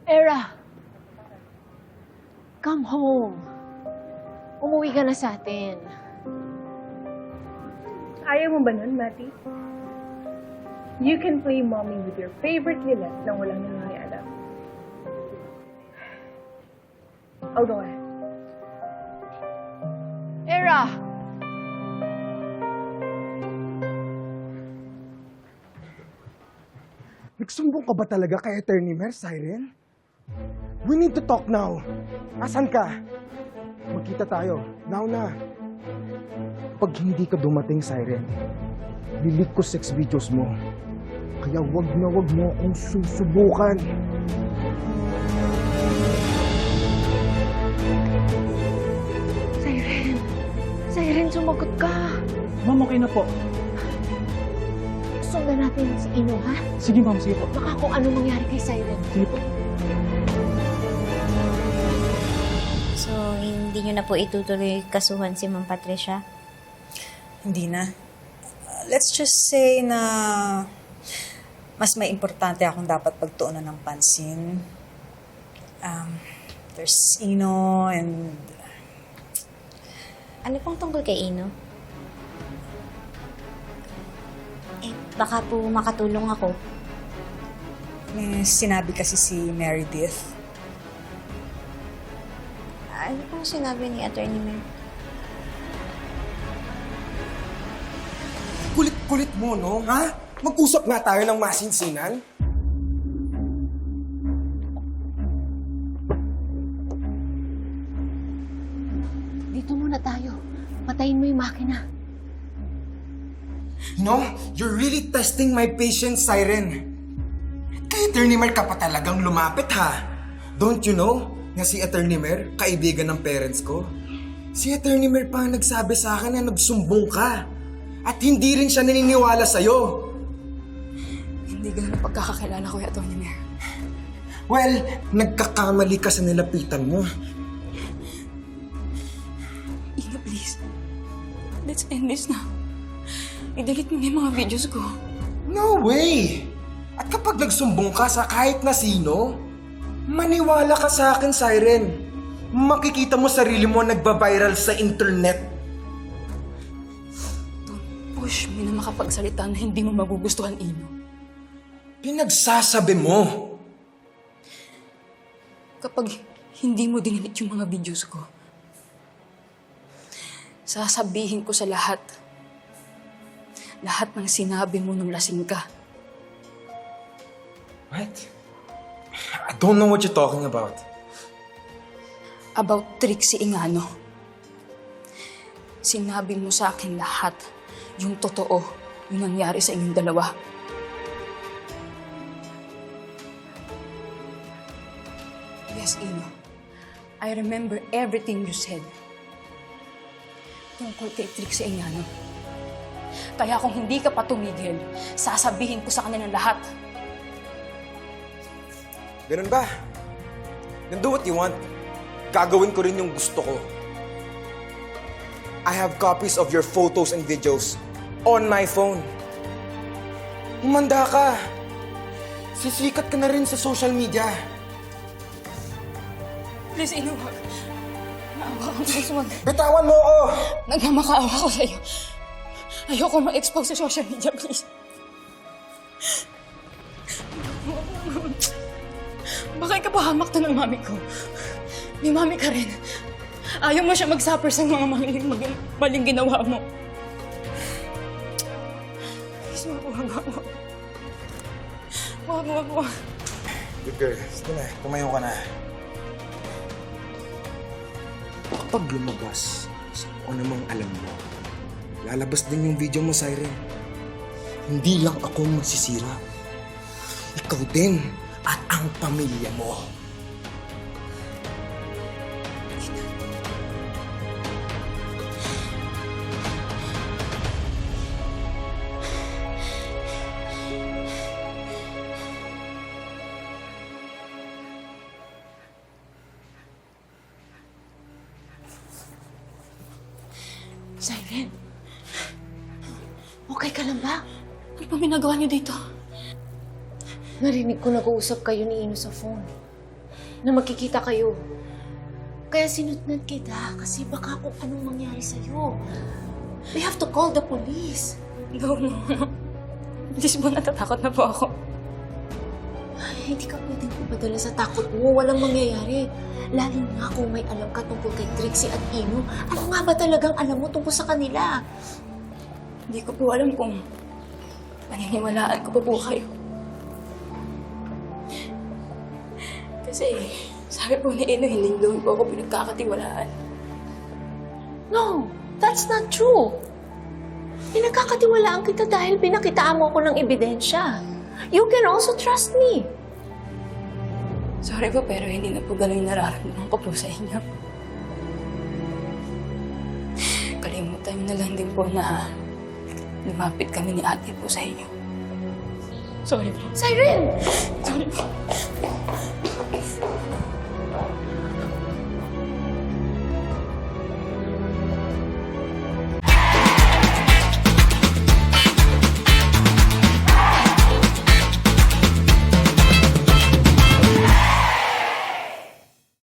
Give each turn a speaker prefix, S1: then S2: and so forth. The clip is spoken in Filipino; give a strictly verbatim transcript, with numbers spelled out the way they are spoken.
S1: Era, come home. Umuwi ka na sa atin.
S2: Ayaw mo ba nun, Mati? You can play mommy with your favorite Lilith nang walang nangyayari. I'll go ahead.
S1: Era!
S3: Nagsumbong ka ba talaga kay Attorney Mer, Siren? We need to talk now. Asan ka? Magkita tayo. Now na. Pag hindi ka dumating, Siren, lilik ko sex videos mo. Kaya wag na wag mo akong susubukan.
S1: Siren! Siren, sumagot ka!
S4: Ma'am, okay na po.
S1: Sundan natin si Ino, ha?
S4: Sige, ma'am. Sige po.
S1: Baka kung ano mangyari kay Siren.
S4: Sige po.
S5: So, hindi nyo na po itutuloy kasuhan si Ma'am Patricia?
S6: Hindi na. Uh, let's just say na mas may importante akong dapat pagtuunan ng pansin. Um, there's Ino and...
S5: Ano pong tungkol kay Ino? Eh, baka po makatulong ako.
S6: May sinabi kasi si Meredith.
S5: Ano pong sinabi ni Attorney Mer?
S3: Kulit-kulit mo, no? Ha? Mag-usap nga tayo ng masinsinan.
S1: Dito muna tayo. Patayin mo yung makina.
S3: No, you're really testing my patience, Siren. Kay Attorney Mer ka pa talagang lumapit, ha? Don't you know na si Attorney Mer, kaibigan ng parents ko? Si Attorney Mer pa ang nagsabi sa akin na nagsumbong ka. At hindi rin siya naniniwala sa'yo.
S7: Hindi ganun ang pagkakakilala ko, Atty. Mer.
S3: Well, nagkakamali ka sa nilapitan mo.
S7: Ina, please. Let's end this na. I-delete mo na yung mga videos ko.
S3: No way! At kapag nagsumbong ka sa kahit na sino, maniwala ka sa akin, Siren. Makikita mo sarili mo nagba-viral sa internet.
S7: Don't push me na makapagsalita na hindi mo magugustuhan, Ino.
S3: Pinagsasabi mo.
S7: Kapag hindi mo dinilit yung mga videos ko, sasabihin ko sa lahat, lahat ng sinabi mo nung lasing ka.
S3: What? I don't know what you're talking about.
S7: About Trixie Ingano. Sinabi mo sa akin lahat yung totoo, yung nangyari sa inyong dalawa. Yes, Ino. I remember everything you said. Tungkol kay Trixie Ingano. Kaya kung hindi ka pa tumigil, sasabihin ko sa kanila lahat.
S3: Ganun ba? Then do what you want. Gagawin ko rin yung gusto ko. I have copies of your photos and videos on my phone. Humanda ka. Sisikat ka na rin sa social media.
S7: Please, Ino, wag. Naawa ka. Please, wag.
S3: Bitawan mo ako!
S7: Nagmamakaawa ko sa'yo. Ayoko ma-expose sa social media, please. Baka ikapahamak to ng mami ko. May mami ka rin. Ayaw mo siya mag-suffer sa mga maling, maling, maling ginawa mo. Please, wag, wag, wag, wag. Wag, wag, wag.
S3: Good girl. Sige na, tumayo ka na. Kapag lumabas sa kung ano mang alam mo, lalabas din yung video mo, Siren. Hindi lang ako masisira. Ikaw din at ang pamilya mo.
S1: Siren, okay ka lang ba?
S7: Ano bang ginagawa niyo dito?
S1: Narinig ko nag-uusap kayo ni Ino sa phone. na magkikita kayo. Kaya sinutnad kita kasi baka kung anong mangyari sa'yo. We have to call the police.
S7: No, no, no. Please po, natatakot na po ako.
S1: Ay, hindi ka pwedeng pumadala sa takot mo. Walang mangyayari. Lalo na kung may alam ka tungkol kay Trixie at Ino. Ano nga ba talagang alam mo tungkol sa kanila?
S7: Hindi ko po alam kung paniniwalaan ko pa po kayo. Kasi sabi po ni Ino, hindi daw po ako pinagkakatiwalaan.
S1: No, that's not true. Pinagkakatiwalaan kita dahil pinakitaan mo ako ng ebidensya. You can also trust me.
S7: Sorry po, pero hindi na po ganun yung nararamdaman ko po sa inyo. Kalimutan niyo na lang din po na lumapit kami ni ate po sa inyo. Sorry po.
S1: Siren!
S7: Sorry